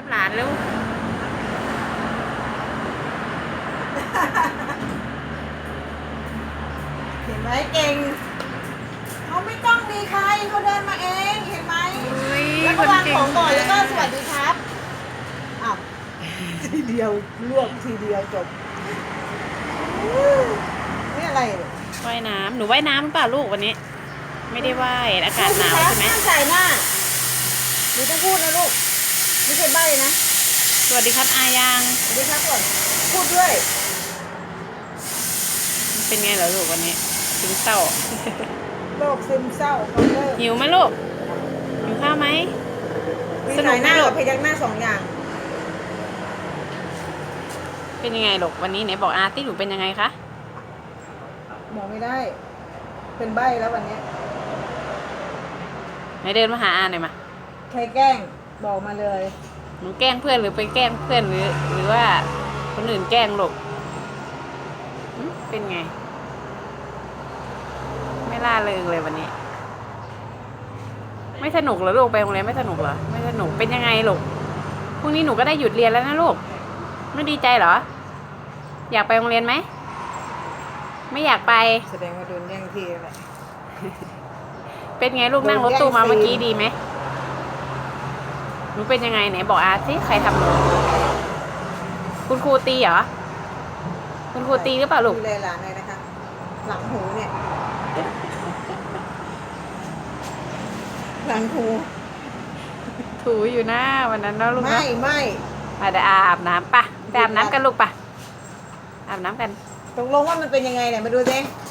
หลานเร็วเห็นไหมเก่งเขาไม่ต้องมีใครเขาเดินมาเองเห็นไหมแล้วก็วางของก่อนแล้วก็สวัสดีครับอ้าวทีเดียวลวกทีเดียวจบนี่อะไรเนี่ยว่ายน้ำหนูว่ายน้ำหรือเปล่าลูกวันนี้ ไม่ได้ว่ายอากาศหนาวใช่ไหมห้ามใส่หน้าหนูต้องพูดนะลูกไม่ใช่ใบ้นะสวัสดีครับอายังสวัสดีครับก่อนพูดด้วยเป็นไงเหรอลูกวันนี้ซึมเศร้าโรคซึมเศร้าเขาเลิกหิวไหมลูกหิวข้าวไหมมีสนุสาก ยไหหมน้าลูกักบพยักหน้าสองอย่างเป็นยังไงลูกวันนี้ไหนบอกอาที่หนูเป็นยังไงคะบอกไม่ได้ เป็นใบ้แล้ววันเนี้ยไหนเดินมาหาอาหน่อยมาใครแกล้งบอกมาเลยหนูแกล้งเพื่อนหรือไปแกล้งเพื่อนหรือว่าคนอื่นแกล้งลูกเป็นไง ไม่ล่าเริงเลยวันนี้ ไม่สนุกเหรอลูกไปโรงเรียนไม่สนุกเหรอไม่สนุกเป็นยังไงลูกพรุ่งนี้หนูก็ได้หยุดเรียนแล้วนะลูกไม่ดีใจเหรออยากไปโรงเรียนไหมไม่อยากไปแสดงว่าโดนแย่งที่แหละเป็นไงลูกนั่งรถตู้มาเมื่อกี้ดีไหมหนูเป็นยังไงไหนบอกอาสิใครทำหนูคุณครูตีเหรอคุณครูตีหรือเปล่าลูกดูแลหลานเลยนะคะ หลังหูเนี่ย หลังหูถูอยู่นะวันนั้นเนาะลูกไม่เนาะไม่มาเดี๋ยวอาบน้ำปะไปอาบน้ำกันลูกปะอาบน้ำกันตกลงว่ามันเป็นยังไงเนี่ยมาดูสิ